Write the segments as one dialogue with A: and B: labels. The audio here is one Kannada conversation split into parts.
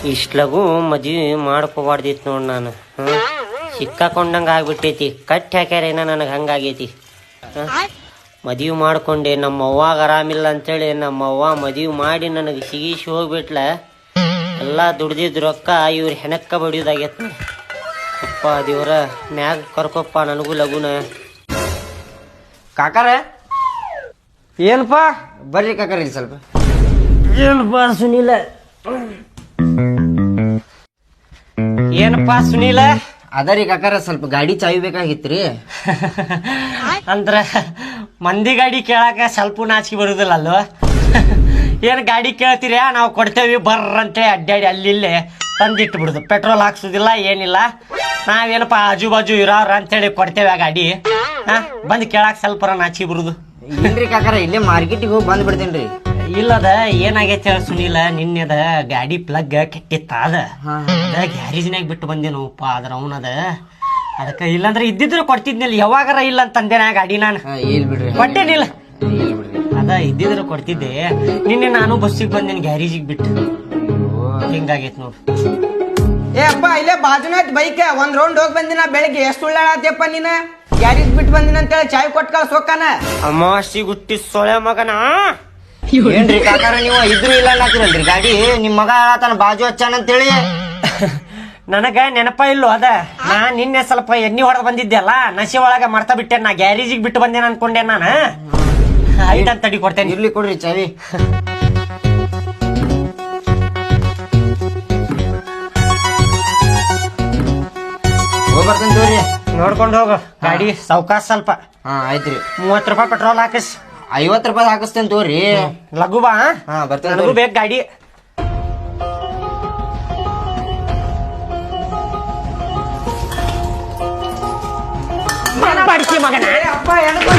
A: ಇಷ್ಟು ಲಘು ಮದ್ವೆ ಮಾಡ್ಕೋಬಾರ್ದಿತ್ತು ನೋಡಿ ನಾನು. ಸಿಕ್ಕಾಕೊಂಡಂಗೆ ಆಗ್ಬಿಟ್ಟೈತಿ. ಕಟ್ಟಿ ಹಾಕ್ಯಾರೇನ ನನಗೆ ಹಂಗಾಗೈತಿ. ಮದುವೆ ಮಾಡ್ಕೊಂಡೆ, ನಮ್ಮ ಅವ್ವಾಗ ಆರಾಮಿಲ್ಲ ಅಂತೇಳಿ ನಮ್ಮ ಅವ್ವ ಮದುವೆ ಮಾಡಿ ನನಗೆ ಸಿಗಿಸಿ ಹೋಗ್ಬಿಟ್ಲ. ಎಲ್ಲ ದುಡ್ದಿದ್ದು ರೊಕ್ಕ ಇವ್ರ ಹೆಣಕ್ಕ ಬಡಿಯೋದಾಗೈತಿ. ಅಪ್ಪ ದೇವ್ರ ಮ್ಯಾಗ ಕರ್ಕೊಪ್ಪ ನನಗೂ ಲಗುನ.
B: ಕಾಕಾರ ಏನಪ್ಪ ಬರ್ರಿ ಕಾಕಾರ ಇಲ್ಲಿ ಸ್ವಲ್ಪ.
A: ಏನಪ್ಪ ಸುನೀಲ? ಏನಪ್ಪ ಸುನೀಲ?
B: ಅದರಿ ಕಾಕಾರ ಸ್ವಲ್ಪ ಗಾಡಿ ಚಾವಿ ಬೇಕಾಗಿತ್ರಿ.
A: ಅಂದ್ರ ಮಂದಿ ಗಾಡಿ ಕೇಳಾಕ ಸ್ವಲ್ಪ ನಾಚಿಕೆ ಬರುದಿಲ್ಲ ಅಲ್ವ? ಏನ್ ಗಾಡಿ ಕೇಳ್ತೀರ ನಾವು ಕೊಡ್ತೇವಿ ಬರ್ರಂತೇಳಿ ಅಡ್ಡಾಡಿ ಅಲ್ಲಿ ತಂದಿಟ್ಟು ಬಿಡುದು. ಪೆಟ್ರೋಲ್ ಹಾಕ್ಸುದಿಲ್ಲ ಏನಿಲ್ಲ. ನಾವೇನಪ್ಪ ಆಜು ಬಾಜು ಇರೋರ ಅಂತೇಳಿ ಕೊಡ್ತೇವೆ ಆ ಗಾಡಿ. ಬಂದ್ ಕೇಳಾಕ ಸ್ವಲ್ಪ ನಾಚಿಕೆ ಬರುದು.
B: ಇಲ್ರಿ ಕಾಕಾರ ಇಲ್ಲೇ ಮಾರ್ಕೆಟಿಗೆ ಹೋಗಿ ಬಂದ್ ಬಿಡ್ತೇನ್ರಿ.
A: ಇಲ್ಲದ ಏನಾಗೈತೆ ಸುನೀಲ, ನಿನ್ನೆದ ಗಾಡಿ ಪ್ಲಗ್ ಕೆಟ್ಟಿತ್ತ. ಅದ ಗ್ಯಾರೇಜ್ನಾಗ ಬಿಟ್ಟು ಬಂದೇನಪ್ಪ. ಅದ್ರ ಅವನದ ಅದಕ್ಕೆ ಇಲ್ಲಾಂದ್ರೆ ಇದ್ದಿದ್ರು ಕೊಡ್ತಿದ್ನಿಲ್ಲ. ಯಾವಾಗಾರ ಇಲ್ಲ ಅಂತಂದೆ ನಾ ಗಾಡಿ ನಾನು
B: ಬಿಡ್ರಿ
A: ಕೊಟ್ಟೇನಿಲ್ಲ. ಅದ ಇದ್ದಿದ್ರು ಕೊಡ್ತಿದ್ದೆ. ನಿನ್ನೆ ನಾನು ಬಸ್ಸಿಗೆ ಬಂದೇನಿ ಗ್ಯಾರೇಜಿಗೆ ಬಿಟ್ಟು. ಹಿಂಗಾಗೈತ್ ನೋಡು.
C: ಏ ಅಪ್ಪ ಇಲ್ಲೇ ಬಾಜುನಾಥ್ ಬೈಕ್ ಒಂದ್ ರೌಂಡ್ ಹೋಗಿ ಬಂದಿನ. ಬೆಳಿಗ್ಗೆ ಎಷ್ಟು ಉಳ್ಳಾಡತ್ತಪ್ಪ ನೀನ? ಗ್ಯಾರೇಜ್ ಬಿಟ್ಟು ಬಂದಿನ ಅಂತೇಳಿ ಚಾಯ್ ಕೊಟ್ಟು ಕಳ್ಸೋಕಾನ.
A: ಅಮಾವಾಸ್ಯೆ ಗುಟ್ಟಿ ಸೊಳೆ ಮಗನ.
B: ಏನ್ರಿ ಕಾಕಾರ ನೀವು ಇದ್ರು ಇಲ್ಲ ಅನ್ನತ್ತಿರಲ್ರಿ ಗಾಡಿ? ನಿಮ್ ಮಗ ತನ್ನ ಬಾಜು ಹಚ್ಚಾನ ಅಂತೇಳಿ.
A: ನನಗ ನೆನಪ ಇಲ್ಲೋ ಅದ. ನಾ ನಿನ್ನೆ ಸ್ವಲ್ಪ ಎಣ್ಣಿ ಹೊಡೆದ್ ಬಂದಿದ್ದೆ ಅಲ್ಲ, ನಶೆ ಒಳಗ ಮರ್ತಾ ಬಿಟ್ಟೆ. ನಾ ಗ್ಯಾರೇಜಿಗೆ ಬಿಟ್ಟು ಬಂದೇನ ಅನ್ಕೊಂಡೆ ನಾನು. ಐಟ್ ಅಂತ ತಡಿ ಕೊಡ್ತೇನೆ.
B: ಇರ್ಲಿ ಕೊಡ್ರಿ ಚಾವಿ. ಹೋಗ್ಬರ್ತೇನೆ ತೋರಿ.
A: ನೋಡ್ಕೊಂಡು ಹೋಗು ಗಾಡಿ ಸಾವ್ಕಾಶ ಸ್ವಲ್ಪ.
B: ಆಯ್ತ್ರಿ.
A: 30 ರೂಪಾಯಿ ಪೆಟ್ರೋಲ್ ಹಾಕಿಸ್.
B: 50 ರೂಪಾಯಿ ಹಾಕಿಸ್ತೇನೆ ತೋರಿ.
A: ಲಘು ಬಾ.
B: ಬರ್ತೇನೆ.
A: ಲಘು ಬೇಕು ಗಾಡಿ. ಮಗನ
C: ಅಪ್ಪ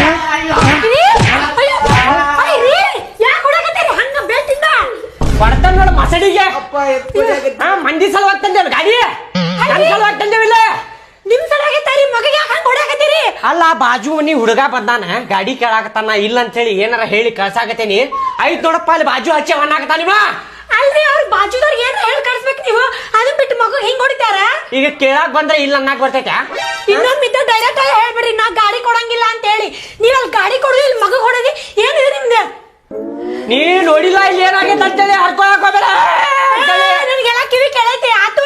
A: ಬರ್ತಾನ ನೋಡ ಮಸಡಿಗೆ. ಮಂದಿ ಸಲುವಾಗಿ ತಂದೇವ್ ಗಾಡಿ. ನನ್ ಸಲುವಾಗಿ ತಂದೇವಿಲ್ಲ.
D: ನಿಮ್ ಸಲುವಾಗಿ ಮಗಗೆ ಹೊಡ್ಯಾಕತ್ತೀರಿ.
A: ಅಲ್ಲ ಬಾಜು ಮನಿ ಹುಡುಗ ಬಂದಾನ ಗಾಡಿ ಕೇಳಾಕತ್ತಾನ. ಇಲ್ಲ ಅಂತೇಳಿ ಏನಾರ ಹೇಳಿ ಕಳ್ಸಾಕತ್ತೇನಿ. ಆಯ್ತು ನೋಡಪ್ಪ ಅಲ್ಲಿ ಬಾಜು ಹಚ್ಚಿ ಅವನಾಗತ್ತಾನಿವ.
D: ಅಲ್ರಿ ಅವ್ರ ಬಾಜುದವ್ರಿಗೆ ಏನ್ ಹೇಳಿ ಕಳ್ಸ್ಬೇಕು ನೀವು? ಅದನ್ ಬಿಟ್ಟು ಮಗು ಹಿಂಗ್ ಹೊಡಿತಾರ?
A: ಈಗ ಕೇಳಾಕ್ ಬಂದ್ರೆ ಇಲ್ಲ ಅನ್ನಕ್ ಬರ್ತೈತ?
D: ಇನ್ನೊಂದ್ ಡೈರೆಕ್ಟ್ ಆಗಿ ಹೇಳ್ಬಿಡ್ರಿ ನಾ ಗಾಡಿ ಕೊಡಂಗಿಲ್ಲ ಅಂತ ಹೇಳಿ. ನೀವ್ ಅಲ್ಲಿ ಗಾಡಿ ಕೊಡುದು ಇಲ್ಲಿ ಮಗು ಹೊಡೋದಿ ಏನಿದೆ ನಿಮ್ದು?
A: ನೀ ನೋಡಿಲ್ಲ ಇಲ್ಲಿ ಏನಾಗೈತೆ ಅಂತೇಳಿ ಹರ್ಕೊಳಕ್ ಹೋಗ್ಬೇಡ.
D: ನನ್ಗೆಲ್ಲ ಕಿವಿ ಕೇಳೈತೆ ಆತು.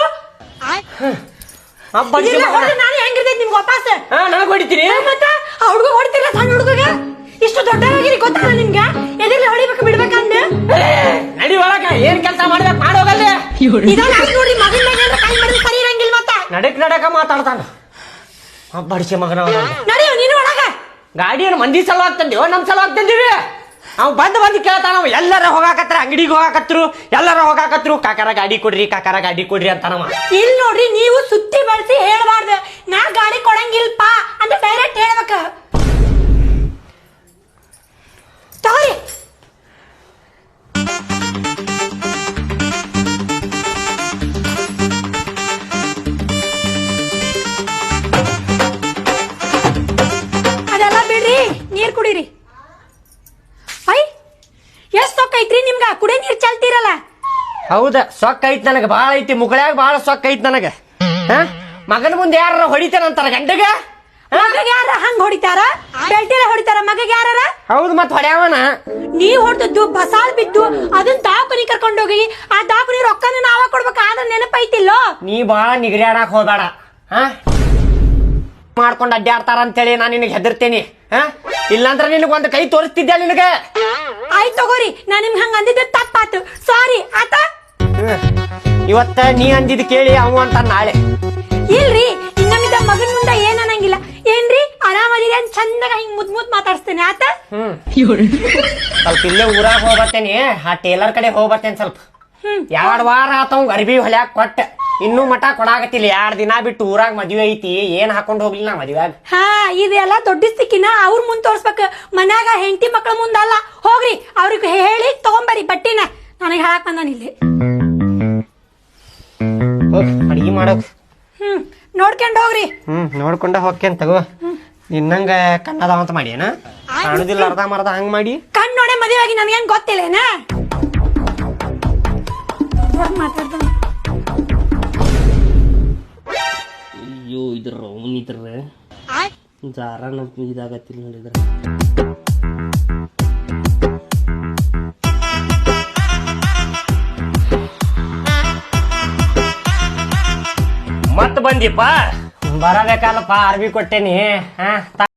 D: ನಾನು ಹೆಂಗಿರ್ತೈತಿ ನಿಮ್ಗೆ ವಾಪಸ್?
A: ನನಗ್ ಹೊಡಿತೀನಿ.
D: ಮತ್ತ ಆ ಹುಡುಗ ಹೊಡಿತಿಲ್ಲ ಸಣ್ಣ ಹುಡುಗ. ಇಷ್ಟು ದೊಡ್ಡವಾಗಿರಿ ಗೊತ್ತಲ್ಲ ನಿಮ್ಗೆ? ಎದಿರ್ಲಿ ಹೊಡಿಬೇಕು ಬಿಡ್ಬೇಕಂದ.
A: ನಡಿ ಒಳಗ ಏನ್ ಕೆಲಸ ಮಾಡ್ಬೇಕು ಮಾಡೋಗಲ್ಲ.
D: ನೋಡ್ರಿ ಮಗನ್ ಮೇಲೆ ಕೈ ಮಾಡಿದ್ರೆ ಸರಿ ಇರಂಗಿಲ್ಲ. ಮತ್ತ
A: ನಡಕ ಮಾತಾಡ್ತಾನ ಬಡಿಸಿ ಮಗನ.
D: ನಡಿಯೋ ನೀನು ಒಳಗ.
A: ಗಾಡಿ ಏನು ಮಂದಿ ಸಲುವಾಗಿ ತಂದಿವೋ ನಮ್ ಸಲುವಾಗಿ ತಂದಿವಿ? ಅವ್ ಬಂದ್ ಕೇಳ್ತಾನ. ಎಲ್ಲಾರ ಹೋಗಾಕತ್ರ, ಅಂಗಡಿಗೆ ಹೋಗಾಕತ್ರು, ಎಲ್ಲಾರ ಹೋಗಾಕತ್ರು. ಕಾಕಾರ ಗಾಡಿ ಕೊಡ್ರಿ, ಕಾಕಾರ ಗಾಡಿ ಕೊಡ್ರಿ ಅಂತಾನವ.
D: ಇಲ್ಲಿ ನೋಡ್ರಿ ನೀವು ಸುತ್ತಿ ಬಳಸಿ ಹೇಳ್ಬಾರ್ದು. ನಾ ಗಾಡಿ ಕೊಡಂಗಿಲ್ಪ ಅಂತ ಡೈರೆಕ್ಟ್ ಹೇಳ್ಬೇಕ. ತಗೋರಿ. ಅದೆಲ್ಲ ಬಿಡ್ರಿ, ನೀರ್ ಕುಡೀರಿ. ಎಷ್ಟ್ ಸೊಕ್ಕ ಐತ್ರಿ ನಿಮ್ಗ? ಕುಡಿಯ ನೀರ್ ಚಲ್ತಿರಲ್ಲ.
A: ಹೌದ, ಸೊಕ್ಕ ಐತ್ ನನಗ ಬಾಳ ಐತಿ. ಮುಗಳಾಗ ಬಾಳ ಸೊಕ್ಕ ಐತ್ ನನಗ. ಮಗನ ಮುಂದೆ ಯಾರ ಹೊಡಿತಾರಂತಾರ ಗಂಡಗ?
D: ಮಗಗೆ ಯಾರ ಹಂಗ ಹೊಡಿತಾರ? ಬೆಲ್ಟಿರ ಹೊಡಿತಾರ ಮಗಗೆ ಯಾರ?
A: ಹೌದು, ಮತ್ ಹೊಡ್ಯಾವನ.
D: ನೀವ್ ಹೊಡೆದದ್ದು ಬಸಾಲ್ ಬಿದ್ದು ಅದನ್ನ ದಾಖನಿ ಕರ್ಕೊಂಡೋಗಿ ಆ ದಾಖನಿ ರೊಕ್ಕನ ನಾವ ಕೊಡ್ಬೇಕ. ಆದ್ರ ನೆನಪೈತಿಲ್ಲೋ?
A: ನೀ ಬಾಳ ನಿಗರ್ಯಾಡಕ್ ಹೋಗ್ಬೇಡ. ಮಾಡ್ಕೊಂಡ್ ಅಡ್ಡಾಡ್ತಾರ ಅಂತೇಳಿ ನಾನ್ ನಿನಗೆ ಹೆದರ್ತೇನಿ. ಇಲ್ಲಾಂದ್ರ ನಿನಗ ಒಂದ್ ಕೈ ತೋರಿಸ್ತಿದ್ದೆ ನಿನಗ.
D: ಆಯ್ತು ತಗೋರಿ, ನಾ ನಿಮ್ಗೆ ಹಂಗ ಅಂದಿದ್ದ ತಪ್ಪಾತು. ಸಾರಿ ಆತ.
A: ಇವತ್ತ ನೀ ಅಂದಿದ್ ಕೇಳಿ ಅವ ಅಂತ ನಾಳೆ.
D: ಇಲ್ರಿ, ಇನ್ನೊಂದಿದ್ದ ಮಗನ್ ಮುಂದೆ ಏನ್ ಅನ್ನಂಗಿಲ್ಲ. ಏನ್ರಿ ಆರಾಮದಿರಿ ಅಂತ ಚಂದಾಗ ಹಿಂಗ್ ಮುದ್ ಮಾತಾಡ್ಸ್ತೇನೆ ಆತ.
A: ಸ್ವಲ್ಪ ಇಲ್ಲೇ ಊರಾಗ ಹೋಗ್ಬರ್ತೇನಿ. ಆ ಟೇಲರ್ ಕಡೆ ಹೋಗ್ಬರ್ತೇನೆ ಸ್ವಲ್ಪ. 2 ವಾರ ಆತವ್ ಅರ್ಬಿ ಹೊಲ್ಯಾಕ ಕೊಟ್ಟ. ಇನ್ನೂ ಮಠ ಕೊಡಾಕತ್ತಿಲ್ಲ. 2 ದಿನ ಬಿಟ್ಟು ಊರಾಗ ಮದ್ವೆ ಐತಿ. ಏನ್ ಹಾಕೊಂಡ್ ಹೋಗ್ಲಿಲ್ಲ ನಾ ಮದ್ವೆಯಾಗ.
D: ಇದೆಲ್ಲ ದೊಡ್ಡ ಸ್ಥಿತಿನ ಅವ್ರ ಮುಂದ್ ತೋರ್ಸ್ಬೇಕ. ಮನ್ಯಾಗ ಹೆಂಡತಿ ಮಕ್ಳ ಮುಂದಲ್ಲ. ಹೋಗ್ರಿ ಅವ್ರಿಗೆ ಹೇಳಿ ತಗೊಂಬರಿ ಬಟ್ಟಿನ. ನನಗೆ ಹೇಳಕ್ ಬಂದಾನ ಇಲ್ಲಿ.
A: ಅಡಿಗೆ ಮಾಡೋಕ್
D: ನೋಡ್ಕೊಂಡ್ ಹೋಗ್ರಿ.
A: ನೋಡ್ಕೊಂಡ ಹೋಗ್ತೇನ್ ತಗೋ. ನಿನ್ನಂಗ ಕಣ್ಣದಾವ ಅಂತ ಮಾಡಿ ಏನ ಕಾಣುದಿಲ್ಲ. ಅರ್ಧ ಮರ್ಧ ಹಂಗ್ ಮಾಡಿ
D: ಕಣ್ ನೋಡೆ ಮದುವೆ ಆಗಿ ನನ್ಗೇನ್ ಗೊತ್ತಿಲ್ಲೇನ? ಮಾತಾಡ್ತಾನೆ
A: ಅವನಿದ್ರ ಜಾರನ ಇದಾಗತ್ತಿಲ್ಲ ನೋಡಿದ್ರ ಮತ್ ಬಂದಿಪ್ಪ ಬರಬೇಕಲ್ಲಪ್ಪ ಅರ್ಬಿ ಕೊಟ್ಟೇನಿ